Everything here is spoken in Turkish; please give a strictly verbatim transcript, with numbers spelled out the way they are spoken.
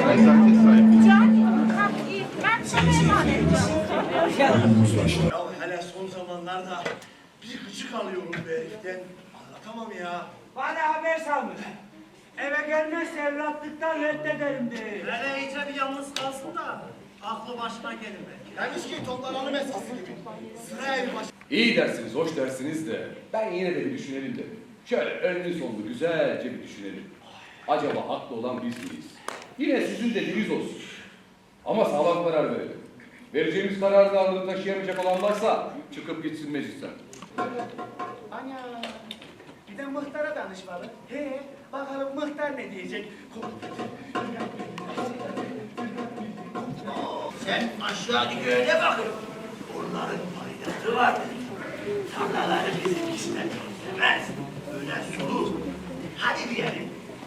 nezaket sahibi. Can, kalk iyi. Ben sana emanet Ya hele son zamanlarda bir gıcık alıyorum bu heriften. Anlatamam ya. Bana haber salmış. Eve gelmezse evlatlıktan reddederim diye. Hele iyice bir yalnız kalsın da aklı başına gelir belki. Demiş ki toplanalım eskisi gibi. Sıra evi baş... İyi dersiniz, hoş dersiniz de ben yine de bir düşünelim de. Şöyle önlü sonlu güzelce bir düşünelim. Acaba haklı olan biz miyiz? Yine sizin dediğiniz olsun. Ama sağlam karar verelim. Vereceğimiz kararın ağırlığını taşıyamayacak olan varsa çıkıp gitsin meclisten. Ana! Bir de muhtara danışmalı. He, bakalım muhtar ne diyecek? Sen aşağıdaki göğe bakın. Onların faydası vardır. Tarlaları bizimkisine benzemez. Öyle solur. Hadi diyelim.